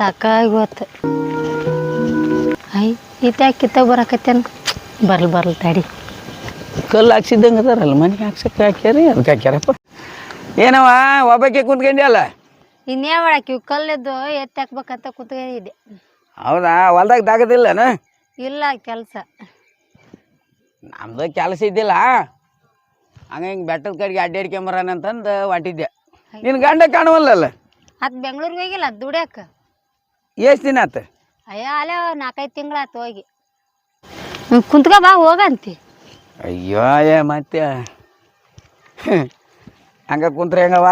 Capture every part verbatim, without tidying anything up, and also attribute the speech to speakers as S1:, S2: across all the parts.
S1: ಸಾಕಾಗಿ ಹೋತು. ಐ ಇತ್ಯಾಕೆ ಕಿತ್ತಾಗ ಬರಕತ್ತೇನು ಬರ್ಲಿ ಬರ್ಲಿ ತಡಿ.
S2: ಕಲ್ಲು ಹಾಕ್ಸಿದ್ದಂಗೆ ಅದಾರಲ್ಲ ಮನೆಗೆ ಹಾಕ್ಸಕ್ಕೆ ಹಾಕ್ಯಾರಿ ಅದಕ್ಕೆ ಹಾಕ್ಯಾರಪ್ಪ. ಏನವ ಒಬ್ಬಕ್ಕೆ ಕುಂತ್ಕೊಂಡ್ಯಲ್ಲ?
S1: ಇನ್ನೇ ಮಾಡಾಕಿ ಕಲ್ಲಿದ್ದು ಎತ್ತಿ ಹಾಕ್ಬೇಕಂತ ಕುತ್ಕೊಂಡಿದ್ದೆ.
S2: ಹೌದಾ? ಹೊಲ್ದಾಗ ದಾಗದಿಲ್ಲನ?
S1: ಇಲ್ಲ ಕೆಲಸ.
S2: ನಮ್ದು ಕೆಲಸ ಇದ್ದಿಲ್ಲ, ಹಂಗೆ ಹಿಂಗೆ ಬೆಟ್ಟದ ಕಡೆಗೆ ಅಡ್ಡಾಡ್ಕೊಂಬರೋಣ ಅಂತಂದು ಹೊಂಟಿದ್ದೆ. ನಿನ್ನ ಗಂಡ ಕಾಣುವಲ್ಲಲ್ಲ?
S1: ಅದು ಬೆಂಗ್ಳೂರಿಗೆ ಹೋಗಿಲ್ಲ ದುಡ್ಯಾಕ.
S2: ಎಷ್ಟು ದಿನ ಆತ?
S1: ಅಯ್ಯ ಅಲ್ಲೇ ನಾಲ್ಕೈದು ತಿಂಗಳಾತು ಹೋಗಿ. ಕುಂತ್ಕ ಬಾ ಹೋಗಂತಿ.
S2: ಅಯ್ಯೋ ಏ ಮತ್ತೆ ಹಂಗ ಕುಂತ್ರೆ ಹೆಂಗವ?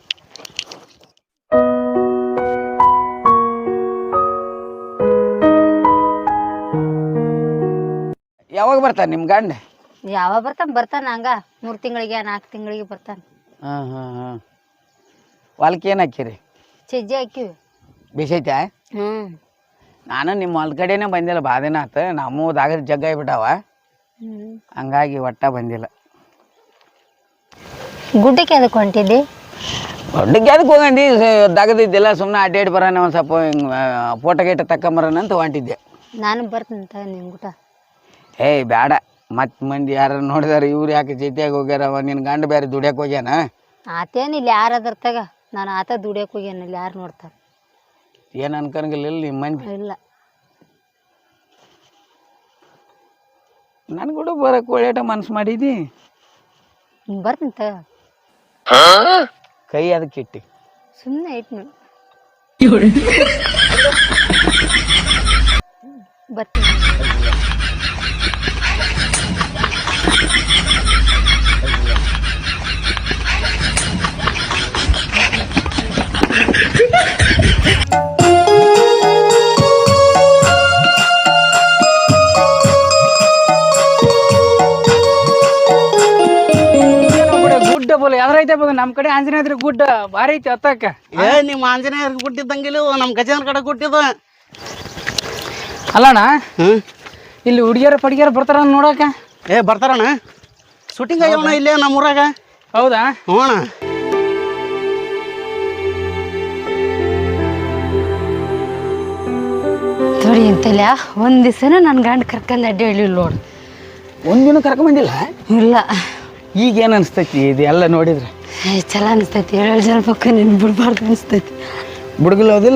S2: ಯಾವಾಗ ಬರ್ತಾನೆ ನಿಮ್ಮ ಗಂಡ?
S1: ಯಾವಾಗ ಬರ್ತಾನ ಬರ್ತಾನ ಹಂಗ ಮೂರು ತಿಂಗಳಿಗೆ ನಾಲ್ಕು ತಿಂಗಳಿಗೆ ಬರ್ತಾನ.
S2: ಹಾಂ ಹಾಂ ಹಾಂ. ಹೊಲಕ್ಕೆ ಏನು ಹಾಕಿರಿ?
S1: ಸಜ್ಜೆ ಹಾಕಿವಿ.
S2: ಬಿಸೈತೆ?
S1: ಹ್ಞೂ. ನಾನು
S2: ನಿಮ್ಮ ಹೊಲ್ದ ಕಡೆನೇ ಬಂದಿಲ್ಲ, ಭಾಳ ದಿನ ಆತು. ನಮ್ಮ ದಾಗ ಜಗ್ಗ ಆಗ್ಬಿಟ್ಟಾವ, ಹಂಗಾಗಿ ಒಟ್ಟ ಬಂದಿಲ್ಲ.
S1: ಗುಡ್ಡಕ್ಕೆ ಅದಕ್ಕೆ ಹೊಂಟಿದ್ದಿ?
S2: ಗುಡ್ಡಕ್ಕೆ ಅದಕ್ಕೆ ಹೋಗಂಡಿ, ದಗದಿದ್ದಿಲ್ಲ, ಸುಮ್ಮನೆ ಅಡ್ಡಾಡಿ ಬರೋಣ, ಒಂದು ಸ್ವಲ್ಪ ಹಿಂಗೆ ಫೋಟೋ ಗೀಟ ತಕೊಂಬರೋಣ ಅಂತ ಹೊಂಟಿದ್ದೆ.
S1: ನಾನು ಬರ್ತೀನಂತ ನಿಮ್ಮ ಊಟ.
S2: ಏಯ್ ಬೇಡ, ಮತ್ತೆ ಮಂದಿ ಯಾರು ನೋಡಿದಾರೆ ಇವ್ರು ಯಾಕೆ ಜೊತೆಯಾಗಿ ಹೋಗ್ಯಾರವ, ನಿನ್ನ ಗಂಡ ಬೇರೆ ದುಡಿಯಕ್ಕೆ ಹೋಗ್ಯಾನ.
S1: ಆತೇನಿಲ್ಲ ಯಾರು ಅದ್ರ ತಗ, ನಾನು ಆತ ದುಡಿಯಕ್ಕೆ ಹೋಗ್ಯಾನ, ಇಲ್ಲಿ ಯಾರು ನೋಡ್ತಾರೆ?
S2: ಏನು ಅನ್ಕಂಗಿಲ್ಲ ಇಲ್ಲಿ ನಿಮ್ಮ ಮಂದಿ?
S1: ಇಲ್ಲ.
S2: ನನ್ ಕೂಡ ಬರಕ್ಕೆ ಒಳ್ಳೆಟ ಮನ್ಸು ಮಾಡಿದಿ.
S1: ಬರ್ತೀನಿ ತಗ.
S2: ಕೈ ಅದಕ್ಕೆ ಇಟ್ಟಿ
S1: ಸುಮ್ಮನೆ ಇಟ್ಟು ಬರ್ತೀನಿ.
S3: ಯಾವ್ದೈತೆ ನಮ್ಮ ಕಡೆ ಆಂಜನೇಯದ್ರ ಗುಡ್ಡ ಭಾರಿ ಐತಿ ಹತ್ತಕ್ಕ.
S4: ಏ ನಿಮ್ಮ ಆಂಜನೇಯರ್ ಗುಡ್ಡಿದ್ದಂಗಿಲ್ಲ, ನಮ್ಮ ಗಜೇಂದ್ರ ಕಡೆ ಗುಡ್ಡಿದ
S3: ಅಲ್ಲಣ್ಣ. ಇಲ್ಲಿ ಹುಡುಗಿಯರ ಪಡಿಗೆರ ಬರ್ತಾರ ನೋಡಕ?
S4: ಏ ಬರ್ತಾರಣ್ಣ, ಶೂಟಿಂಗ್ ಆಗ್ಯವಣ್ಣ ಇಲ್ಲೇ ನಮ್ಮೂರಾಗ.
S3: ಹೌದಾ?
S4: ಹ್ಞೂ ಅಣ್ಣ.
S1: ನೋಡಿ ಅಂತಲ್ಲ ಒಂದು ದಿವಸನೂ ನನ್ನ ಗಂಡ ಕರ್ಕೊಂಡು ಅಡ್ಡಿ ಹೇಳಿಲ್ಲ ನೋಡು.
S2: ಒಂದಿನ ಕರ್ಕೊಂಬಂದಿಲ್ಲ?
S1: ಇಲ್ಲ.
S2: ಈಗ ಏನು ಅನಿಸ್ತೈತಿ ಇದೆಲ್ಲ ನೋಡಿದ್ರೆ?
S1: ಏ ಚಲೋ ಅನಿಸ್ತೈತಿ, ಏಳೇಳು ಜನ ಪಕ್ಕ ನೀನು ಬಿಡ್ಬಾರ್ದು ಅನಿಸ್ತೈತಿ.
S2: ಬುಡ್ಗಲ್ ಹೋದಿಲ್ಲ?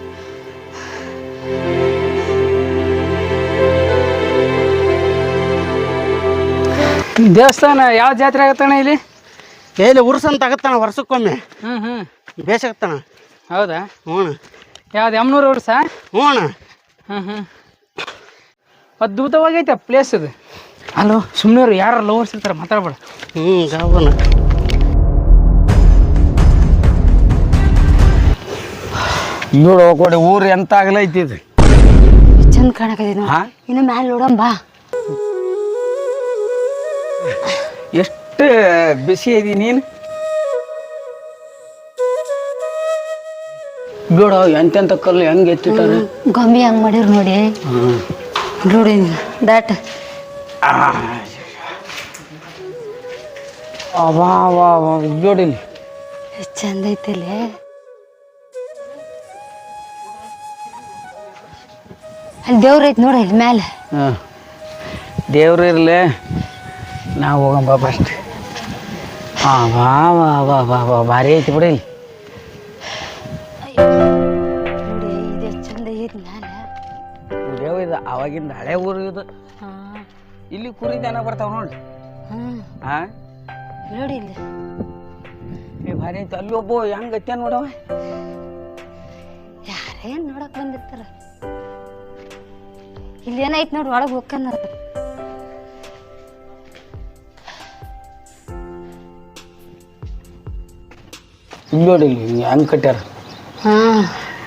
S3: ದೇವಸ್ಥಾನ ಯಾವ ಜಾತ್ರೆ ಆಗತ್ತಣ್ಣ ಇಲ್ಲಿ?
S4: ಎಲ್ಲಿ ಉರ್ಸಂತ ಆಗತ್ತಾನ ವರ್ಷಕ್ಕೊಮ್ಮೆ.
S3: ಹ್ಞೂ ಹ್ಞೂ.
S4: ಬೇಸಾಗತ್ತಾನ.
S3: ಹೌದಾ?
S4: ಹ್ಞೂ ಅಣ್ಣ.
S3: ಯಾವ್ದು ಎಮ್ನೂರು ಉರ್ಸ?
S4: ಹ್ಞೂ ಅಣ್ಣ.
S3: ಹ್ಞೂ ಹ್ಞೂ. ಅದ್ಭುತವಾಗೈತೆ ಪ್ಲೇಸ್ ಅದು. ಅಲ್ಲೋ ಸುಮ್ಮನೆ ಯಾರು ಲವರ್ಸ್ ಇರ್ತಾರೆ, ಮಾತಾಡ್ಬೇಡ.
S4: ಹ್ಞೂ ಗಾವನ
S2: ನೋಡು ಕೊಡಿ ಊರು ಎಂತ ಆಗಲೈತಿ ಇದು.
S1: ಚಂದ ಕಾಣಕತ್ತಿ. ಇನ್ನು ಮ್ಯಾಲೆ ನೋಡೋಣ ಬಾ.
S2: ಎಷ್ಟು ಬಿಸಿ ಐತಿ ನೀನು. ನೋಡ ಎಂತೆಂತ ಕಲ್ಲು ಹೆಂಗೆ ಎತ್ತಿಟ್ಟಾರೆ,
S1: ಗೊಂಬಿ ಹಂಗೆ ಮಾಡಿರ್ ನೋಡಿ. ನೋಡಿ ದಾಟ್
S2: ನೋಡಿಲಿ
S1: ಎಷ್ಟು ಚಂದ ಐತಲ್ಲಿ. ಅಲ್ಲಿ ದೇವ್ರ ಐತಿ ನೋಡಿ ಇಲ್ಲಿ ಮ್ಯಾಲೆ.
S2: ಹಾಂ ದೇವ್ರು ಇರಲಿ, ನಾವು ಹೋಗಂಬ ಫಸ್ಟ್. ಹಾಂ ವಾ ವಾ ವಾ ವಾ ವಾ ಭಾರಿ ಐತಿ ಬಿಡಿ.
S1: ನೋಡಿ ಇದು ಎಷ್ಟು ಚಂದ ಐತಿ ಮ್ಯಾಲೆ.
S2: ದೇವ್ ಇದು ಅವಾಗಿಂದ ಹಳೆ ಊರು ಇದು. ಇಲ್ಲಿ ಕುರಿ ದನ ಬರ್ತಾವ ನೋಡಿ. ಹಾಂ
S1: ನೋಡಿ ಇಲ್ಲಿ
S2: ಏ ಭಾರಿ ಐತಿ. ಅಲ್ಲಿ ಒಬ್ಬ ಹೆಂಗೆ ಗತ್ಯ ನೋಡವ,
S1: ಯಾರೇನು ನೋಡಕ್ ಬಂದಿರ್ತಾರ. ಇಲ್ಲಿ ಏನೈತಿ ನೋಡಿ, ಒಳಗೆ ಹೋಗ್ಕನ
S2: ನೋಡಿ ಇಲ್ಲಿ ಹೆಂಗೆ ಕಟ್ಟ್ಯಾರ.
S1: ಹಾಂ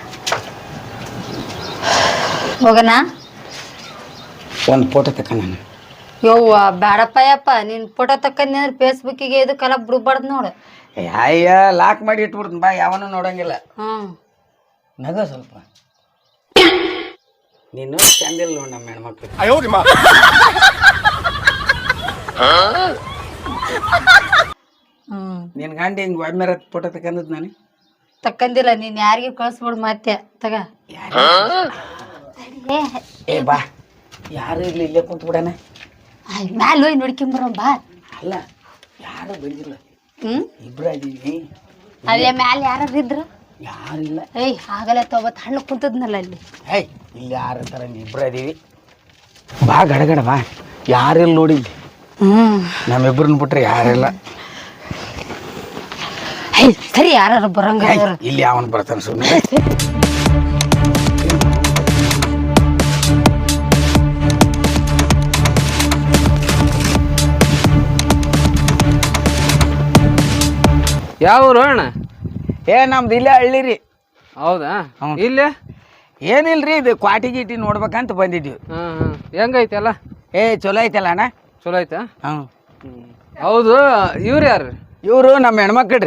S1: ಹೋಗಣ.
S2: ಒಂದು ಫೋಟೋ ತಕ್ಕ ನಾನು.
S1: ಯವ್ವ ಬೇಡಪ್ಪ ಯಪ್ಪ, ನೀನು ಫೋಟೋ ತಕ್ಕಂದ್ರೆ ಫೇಸ್ಬುಕ್ಕಿಗೆ ಇದಕ್ಕೆಲ್ಲ ಬಿಡ್ಬಾರ್ದು ನೋಡು.
S2: ಅಯ್ಯ ಲಾಕ್ ಮಾಡಿ ಇಟ್ಬಿಡ್ತೀನಿ ಬಾ, ಯಾವನು ನೋಡಂಗಿಲ್ಲ.
S1: ಹಾಂ
S2: ನಗ ಸ್ವಲ್ಪ ನೀನು ಚಂದಿಲ್ಲ ನೋಡಿ ನಮ್ಮ ಹೆಣ್ಮಕ್ಳು. ನಿನ್ ಗಂಡ ಹಿಂಗ್ ಒಮ್ಮೆರ ಫೋಟೋ ತಕೊಂಡದ್ ನಾನು.
S1: ತಕ್ಕಂದಿಲ್ಲ ನೀನ್ ಯಾರಿಗೆ ಕಳ್ಸ್ಬಿಡ್ ಮತ್ತೆ ತಗ ಏ,
S2: ಏ ಬಾ ಯಾರು ಇರ್ಲಿ ಇಲ್ಲೇ ಕುಂತು ಬಿಡಣ.
S1: ಆಯ್, ಮ್ಯಾಲ್ ಹೋಗಿ ನೋಡ್ಕೊಂಬರ ಬಾ.
S2: ಅಲ್ಲ ಯಾರು ಬಂದಿಲ್ಲ,
S1: ಹ್ಮ್
S2: ಇಬ್ರ ಇದೀವಿ.
S1: ಅಲ್ಲೇ ಮ್ಯಾಲ ಯಾರು ಇದ್ರ?
S2: ಯಾರಿಲ್ಲ.
S1: ಏಯ್ ಆಗಲ್ಲ ತೊಬತ್ ಹಣ್ಣು ಕುಂತದ್ನಲ್ಲ ಅಲ್ಲಿ.
S2: ಏಯ್ ಇಲ್ಲಿ ಯಾರ ಥರ ಇಬ್ರ ಇದೀವಿ. ಬಾ ಗಡಗಡ ಬಾ, ಯಾರಿಲ್ಲ ನೋಡಿದ್ವಿ.
S1: ಹ್ಮ್
S2: ನಮ್ಮಿಬ್ರನ್ನ ಬಿಟ್ರೆ ಯಾರಿಲ್ಲ.
S1: ಏಯ್ ಸರಿ ಯಾರು ಬರಂಗ
S2: ಏಯ್, ಇಲ್ಲಿ ಅವನ್ ಬರ್ತಾನೆ ಸುಮ್ಮನೆ.
S3: ಯಾವ ಊರು ಅಣ್ಣ?
S2: ಏ ನಮ್ದು ಇಲ್ಲೇ ಹಳ್ಳಿ ರೀ.
S3: ಹೌದಾ?
S2: ಹ್ಞೂ.
S3: ಇಲ್ಲೇ
S2: ಏನಿಲ್ರಿ, ಇದು ಕ್ವಾಟಿ ಗೀಟಿ ನೋಡ್ಬೇಕಂತ ಬಂದಿದ್ವಿ.
S3: ಹಾಂ ಹಾಂ ಹೆಂಗೈತೆ ಅಲ್ಲ?
S2: ಏ ಚಲೋ ಐತಲ್ಲ ಅಣ್ಣ.
S3: ಚಲೋ ಆಯ್ತಾ?
S2: ಹ್ಞೂ.
S3: ಹೌದು, ಇವ್ರು ಯಾರು?
S2: ಇವರು ನಮ್ಮ ಹೆಣ್ಮಕ್ಳು ರೀ.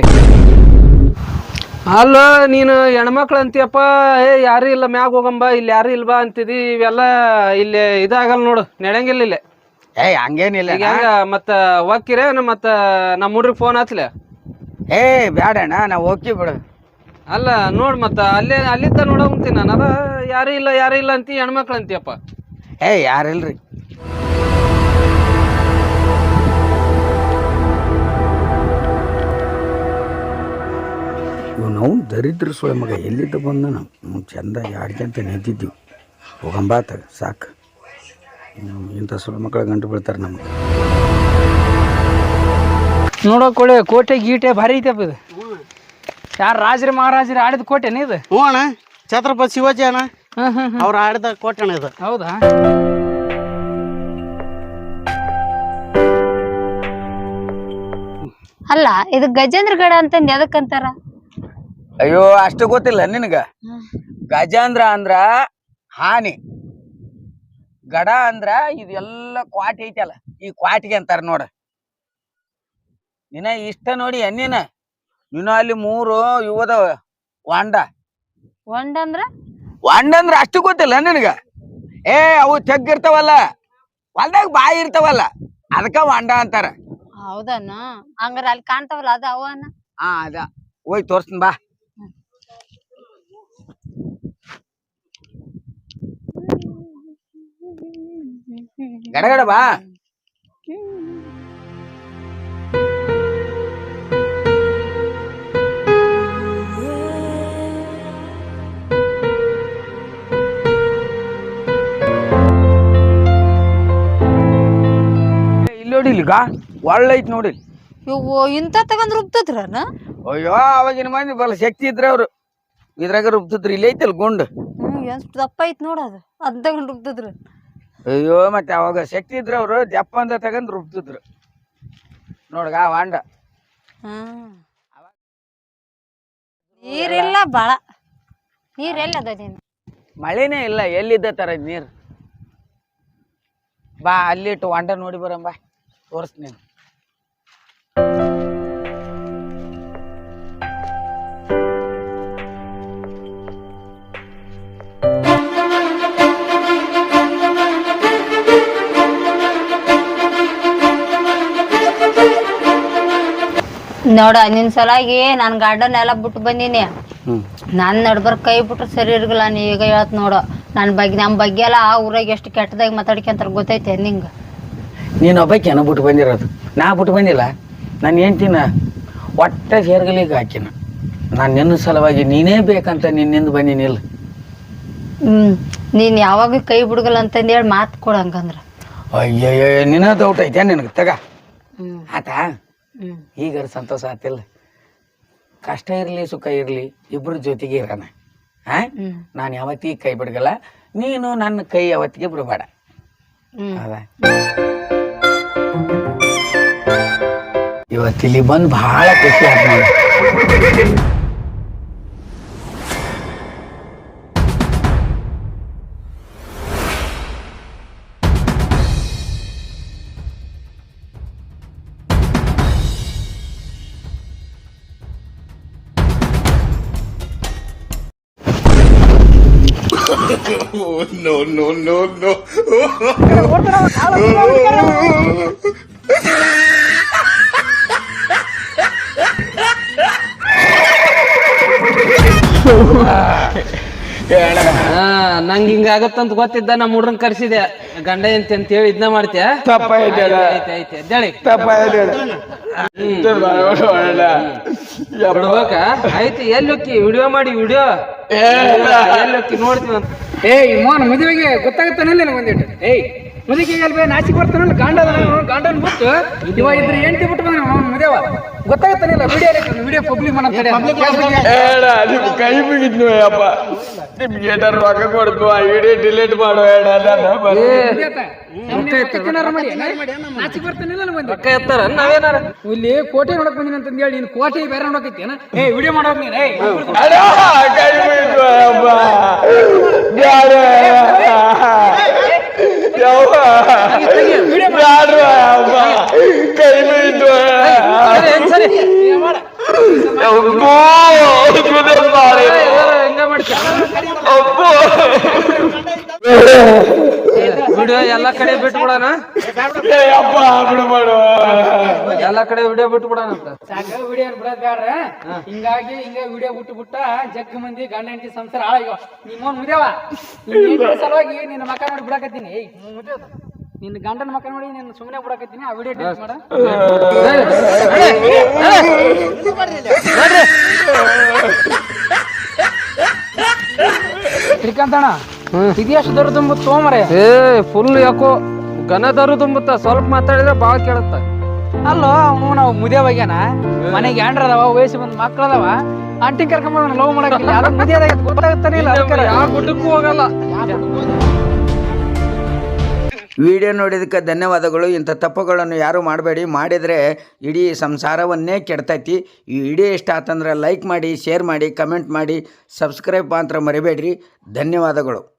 S3: ಅಲ್ಲ ನೀನು ಹೆಣ್ಮಕ್ಳು ಅಂತೀಯಪ್ಪ. ಏ ಯಾರು ಇಲ್ಲ ಮ್ಯಾಗ ಹೋಗಂಬ, ಇಲ್ಲಿ ಯಾರು ಇಲ್ಬಾ ಅಂತಿದಿ. ಇವೆಲ್ಲ ಇಲ್ಲಿ ಇದಾಗಲ್ಲ ನೋಡು, ನಡೆಯಂಗಿಲ್ಲ ಇಲ್ಲೇ.
S2: ಏ ಹಂಗೇನಿಲ್ಲ.
S3: ಈಗ ಹೆಂಗ ಮತ್ತ ಹೋಗ್ಕಿರ ಮತ್ತ ನಮ್ಮ ಹುಡ್ರಿಗೆ ಫೋನ್ ಹಚ್ಲೆ?
S2: ಏ ಬ್ಯಾಡಣ್ಣ, ನಾವು ಹೋಗಿ ಬಿಡು.
S3: ಅಲ್ಲ ನೋಡ್ ಮತ್ತ ಅಲ್ಲೇ ಅಲ್ಲಿದ್ದ ನೋಡಂತೀನಿ ನಾನು. ಅದ ಯಾರು ಇಲ್ಲ ಯಾರು ಇಲ್ಲ ಅಂತಿ, ಹೆಣ್ಮಕ್ಳು ಅಂತೀಯಪ್ಪ.
S2: ಏ ಯಾರಿಲ್ರಿ. ಇವು ನಾವು ದರಿದ್ರ ಸೊಳೆ ಮಗ ಎಲ್ಲಿದ್ದ ಬಂದ ನಾವು ಚಂದ ಯಾಡ್ಕಂತ ನಿಂತಿದ್ದೀವಿ. ಹೋಗಂಬಾತ ಸಾಕು. ಇಂಥ ಸೊಳೆ ಮಕ್ಕಳ ಗಂಟು ಬೀಳ್ತಾರೆ ನಮ್ಗೆ.
S3: ನೋಡೋಕೊಳ್ಳಿ ಕೋಟೆ ಗೀಟೆ ಭಾರಿ ಐತಪ್ಪ ಇದು. ಯಾರು ರಾಜರು ಮಹಾರಾಜರು ಆಡಿದ ಕೋಟೆನ ಇದು?
S4: ಹ್ಞೂ ಅಣ್ಣ, ಛತ್ರಪತಿ ಶಿವಾಜಿ ಅಣ್ಣ
S3: ಹ್ಮ್ ಹ್ಮ್ ಹ್ಮ್.
S4: ಅವ್ರು ಆಡಿದ ಕೋಟೆ ಅಣ್ಣ ಇದು.
S3: ಹೌದಾ?
S1: ಅಲ್ಲ ಇದು ಗಜೇಂದ್ರಗಡ ಅಂತಂದ್ ಎದಕ್ಕಂತಾರ?
S2: ಅಯ್ಯೋ ಅಷ್ಟು ಗೊತ್ತಿಲ್ಲ ನಿನಗ. ಗಜೇಂದ್ರ ಅಂದ್ರ ಹಾನಿ, ಗಡ ಅಂದ್ರ ಇದೆಲ್ಲ ಕ್ವಾಟಿ ಐತಲ್ಲ, ಈ ಕ್ವಾಟಿಗೆ ಅಂತಾರ ನೋಡ. ನಿನ್ನ ಇಷ್ಟ ನೋಡಿ ಅನ್ನಿನ ನೀನು ಅಲ್ಲಿ ಮೂರು ಇವದವ ವಾಂಡ.
S1: ಒಂಡ ಅಂದ್ರ
S2: ವಾಂಡ ಅಂದ್ರ ಅಷ್ಟು ಗೊತ್ತಿಲ್ಲ ನಿನಗ? ಏ ಅವು ತೆಗ್ಗಿರ್ತಾವಲ್ಲ, ಹೊಲ್ದಾಗ ಬಾಯಿ ಇರ್ತಾವಲ್ಲ, ಅದಕ್ಕ ವಾಂಡ ಅಂತಾರ.
S1: ಹೌದನ? ಹಂಗಾರ ಅಲ್ಲಿ ಕಾಣ್ತಾವಲ್ಲ ಅದ ಅವನ?
S2: ಹಾ ಅದ, ಹೋಗಿ ತೋರ್ಸ್ತೀನಿ ಬಾ. ಗಡಗಡ ಬಾ. ಇಲ್ಲಿ ನೋಡಿ, ಇಲ್ಲಿಗ ಒಳ್ಳೆ ಐತಿ ನೋಡಿ.
S1: ಇವು ಇಂತ ತಗೊಂಡ್ ರುಬ್ತದ್ರನ?
S2: ಅಯ್ಯೋ ಅವಾಗಿನ ಮಂದಿ ಬಲ್ಲ ಶಕ್ತಿ ಇದ್ರೆ ಅವ್ರು ಇದ್ರಾಗ ರುಬ್ತಿದ್ರು. ಇಲ್ಲಿ ಐತಲ್ ಗುಂಡು.
S1: ಹ್ಮ್ ಎಷ್ಟು ದಪ್ಪ ಐತ್ ನೋಡದು, ಅದ್ ತಗೊಂಡ್ ರುಬ್ತದ್ರ.
S2: ಅಯ್ಯೋ ಮತ್ತೆ ಅವಾಗ ಶಕ್ತಿ ಇದ್ರೆ ಅವರು ದಪ್ಪ ಅಂತ ತಗೊಂಡ್ ರುಬ್ತಿದ್ರು ನೋಡ್ಗ ವಾಂಡ.
S1: ಹ್ಮ್ ನೀರಿಲ್ಲ ಬಾಳ. ನೀರ್ ಎಲ್ಲದ ನೀನು?
S2: ಮಳೆನೇ ಇಲ್ಲ, ಎಲ್ಲಿದ್ದ ತರ ನೀರು. ಬಾ ಅಲ್ಲಿಟ್ಟು ವಾಂಡ ನೋಡಿ ಬರಂಬ, ತೋರಿಸ್ತೀನಿ.
S1: ನೋಡ ನಿನ್ ಸಲಾಗಿ ನಾನ್ ಗಾರ್ಡನ್ ಎಲ್ಲ ಬಿಟ್ಟು ಬಂದೀನಿ. ನಾನ್ ನಡ್ಬರ್ ಕೈ ಬಿಟ್ರೆ ಸರಿ ಇರ್ಗಲ್ಲ. ನೀ ಈಗ ಹೇಳತ್ ನೋಡು ನನ್ ಬಗ್ಗೆ, ನಮ್ ಬಗ್ಗೆ ಎಲ್ಲ ಆ ಊರಾಗ ಎಷ್ಟು ಕೆಟ್ಟದಾಗಿ ಮಾತಾಡ್ಕೊಂತಾರ ಗೊತ್ತೈತೆ ನಿಂಗ?
S2: ನೀನು ಒಬ್ಬಾಕಿನ ಬಿಟ್ಟು ಬಂದಿರೋದು, ನಾ ಬಿಟ್ಟು ಬಂದಿಲ್ಲ. ನಾನು ಹೇಳ್ತೀನ ಒಟ್ಟ ಸೇರ್ಗಲಿಗೆ ಹಾಕಿನ. ನಾನು ನಿನ್ನ ಸಲುವಾಗಿ ನೀನೇ ಬೇಕಂತ ನಿನ್ನಿಂದ ಬಂದಿನಿಲ್ಲ.
S1: ಹ್ಮ್ ನೀನ್ ಯಾವಾಗ ಕೈ ಬಿಡ್ಗಲ್ಲ ಅಂತಂದೇಳಿ ಮಾತು ಕೊಡಂಗಂದ್ರ.
S2: ಅಯ್ಯಯ್ಯ ನಿನ್ನ ಡೌಟ್ ಐತೆ ನಿನಗೆ ತಗ.
S1: ಹ್ಮ್
S2: ಆತಾ
S1: ಹ್ಮ್
S2: ಈಗ ಸಂತೋಷ ಆತಿಲ್ಲ. ಕಷ್ಟ ಇರಲಿ ಸುಖ ಇರಲಿ ಇಬ್ರು ಜೊತೆಗೆ ಇರೋಣ. ಹಾ
S1: ಹ್ಮ್
S2: ನಾನು ಯಾವತ್ತಿಗೆ ಕೈ ಬಿಡ್ಗಲ್ಲ, ನೀನು ನನ್ನ ಕೈ ಯಾವತ್ತಿಗೆ ಬಿಡಬೇಡ.
S1: ಹ್ಮ್
S2: ಹೌದಾ? ಇವತ್ತಿಲ್ಲಿ ಬಂದು ಬಹಳ ಖುಷಿ ಆಯ್ತು ನೋಡಿ.
S5: Oh, no, no, no, no.
S3: ಹಾ ನಂಗ್ ಹಿಂಗ ಆಗತ್ತಂತ ಗೊತ್ತಿದ್ದ ನಮ್ಮ ಹುಡ್ರನ್ ಕರ್ಸಿದೆ ಗಂಡ ಎಂತ ಅಂತ ಹೇಳಿ ಇದನ್ನ ಮಾಡ್ತೀಯ
S2: ತಪ್ಪಾಯ್ತು ಅಣ್ಣ.
S3: ಐತೆ ಐತೆ ಎದ್ದೇಳಿ
S2: ತಪ್ಪಾಯ್ತು ಅಣ್ಣ.
S3: ಬಿಡ್ಬೇಕ ಆಯ್ತು ಎಲ್ಲಿ ಹೋಕ್ಕಿ ವಿಡಿಯೋ ಮಾಡಿ ವಿಡಿಯೋ ಎಲ್ಲಿ ಹೋಕ್ಕಿ ನೋಡ್ತೀವಿ ಅಂತ
S5: ಏಯ್ ಮೋನ್ ಮದುವೆಗೆ ಗೊತ್ತಾಗುತ್ತಾನಲ್ಲ ನನಗೆ ಒಂದಿಟ್ಟು ಏಯ್ ಮದುವೆಗೆ ಅಲ್ವೇ ನಾಚಿಕ್ ಬರ್ತಾನಲ್ಲ ಗಾಂಡ ಗಾಂಡನ್ ಬಿಟ್ಟು ಇವ ಇದ್ರೆ ಎಂಟಿ ಬಿಟ್ಟು ಬಂದ ಅವ್ನ ಮದುವ ಗೊತ್ತಾಗುತ್ತಾನಿಲ್ಲ ವಿಡಿಯೋ ವಿಡಿಯೋ ಪಬ್ಲಿಕ್ ಮಾಡಂತಾರೆ
S2: ಹೇಳ ನಿಮ್ ಕೈ ಮುಗಿದ್ನು ಅಪ್ಪ ನಿಮ್ಗೆ ಏನಾರು ರೊಕ್ಕ ಕೊಡ್ತು ಆ ವಿಡಿಯೋ ಡಿಲೀಟ್ ಮಾಡೋ ಹೇಳ
S5: ನಾಚಿಕ್ ಬರ್ತಾನಿಲ್ಲ ನನಗೆ
S3: ರೊಕ್ಕ ಎತ್ತಾರ ನಾವೇನಾರ
S5: ಇಲ್ಲಿ ಕೋಟೆ ನೋಡಕ್ ಬಂದಿನ ಅಂತ ಹೇಳಿ ನೀನು ಕೋಟೆ ಬೇರೆ ನೋಡಕೈತೇನ ಏ ವಿಡಿಯೋ ಮಾಡೋಕ್ ನೀನು ಏಯ್
S2: ಕೈ ಮುಗಿದ್ನು ಅಪ್ಪ ಬ್ಯಾಡ ಯವ್ವ ಬ್ಯಾಡ ಅಪ್ಪ ಕೈ ಮುಗಿದ್ನು
S3: ಸರಿ ಹೆಂಗ ಮಾಡ್ತೀಯ ವಿಡಿಯೋ ಎಲ್ಲಾ ಕಡೆ ಬಿಟ್ಟು ಬಿಡೋಣ ಎಲ್ಲಾ ಕಡೆ ವಿಡಿಯೋ ಬಿಟ್ಟು ಬಿಡೋಣ ಅಂತ
S5: ಸಾಕ ವಿಡಿಯೋ ಬಿಡೋದ್ ಬ್ಯಾಡ್ರ ಹಿಂಗಾಗಿ ಹಿಂಗ ವಿಡಿಯೋ ಬಿಟ್ಟು ಬಿಟ್ಟ ಜಗ್ ಮಂದಿ ಗಂಡ ಹೆಂಡತಿ ಸಂಸಾರ ಹಾಳಾಗ್ಯಾವ ನಿಮ್ಮೋನ್ ಮುದ್ಯಾವ ನಿನ್ನ ಸಲುವಾಗಿ ನಿನ್ನ ಮಕ್ಕ ನೋಡಿ ಬಿಡಕತ್ತೀನಿ ಏಯ್ ಮುದ್ಯಾವ ನಿನ್ನ ಗಂಡನ ಮಕ್ಕ ನೋಡಿ ನಿನ್ನ ಸುಮ್ಮನೆ ಬಿಡಕತ್ತೀನಿ ಆ ವಿಡಿಯೋ ಡಿಲೀಟ್ ಮಾಡ ಶ್ರೀಕಾಂತಣ್ಣ ಇದೆಷ್ಟು ದೊಡ್ಡ ತುಂಬ ತೋಮರೆ
S3: ಏ ಫುಲ್ ಯಾಕೋ ಘನ ದರು ತುಂಬುತ್ತ ಸ್ವಲ್ಪ ಮಾತಾಡಿದ್ರೆ ಬಾಳ ಕೇಳುತ್ತ
S5: ಅಲ್ಲೋ ಅವನು ನಾವು ಮುದ್ಯಾವಾಗ್ಯಾನ ಮನೆಗೆ ಹ್ಯಾಂಡ್ರ ಅದಾವ ವಯಸ್ಸು ಬಂದ್ ಮಕ್ಳು ಅದಾವ ಆಂಟಿ ಕರ್ಕೊಂಡ್ ಲವ್ ಮಾಡಕ್ಕಿಲ್ಲ ಯಾರು ಮುದ್ಯಾದಾಗ ಗೊತ್ತಾಗುತ್ತಾನೆ ಇಲ್ಲ
S3: ಯಾವ ಗುಡ್ಡಕ್ಕೂ ಹೋಗಲ್ಲ
S2: ವಿಡಿಯೋ ನೋಡಿದಕ್ಕೆ ಧನ್ಯವಾದಗಳು. ಇಂಥ ತಪ್ಪುಗಳನ್ನು ಯಾರು ಮಾಡಬೇಡಿ, ಮಾಡಿದರೆ ಇಡೀ ಸಂಸಾರವನ್ನೇ ಕೆಡ್ತೈತಿ. ಈ ವಿಡಿಯೋ ಇಷ್ಟ ಆತಂದ್ರೆ ಲೈಕ್ ಮಾಡಿ, ಶೇರ್ ಮಾಡಿ, ಕಮೆಂಟ್ ಮಾಡಿ, ಸಬ್ಸ್ಕ್ರೈಬ್ ಮಾತ್ರ ಮರಿಬೇಡ್ರಿ. ಧನ್ಯವಾದಗಳು.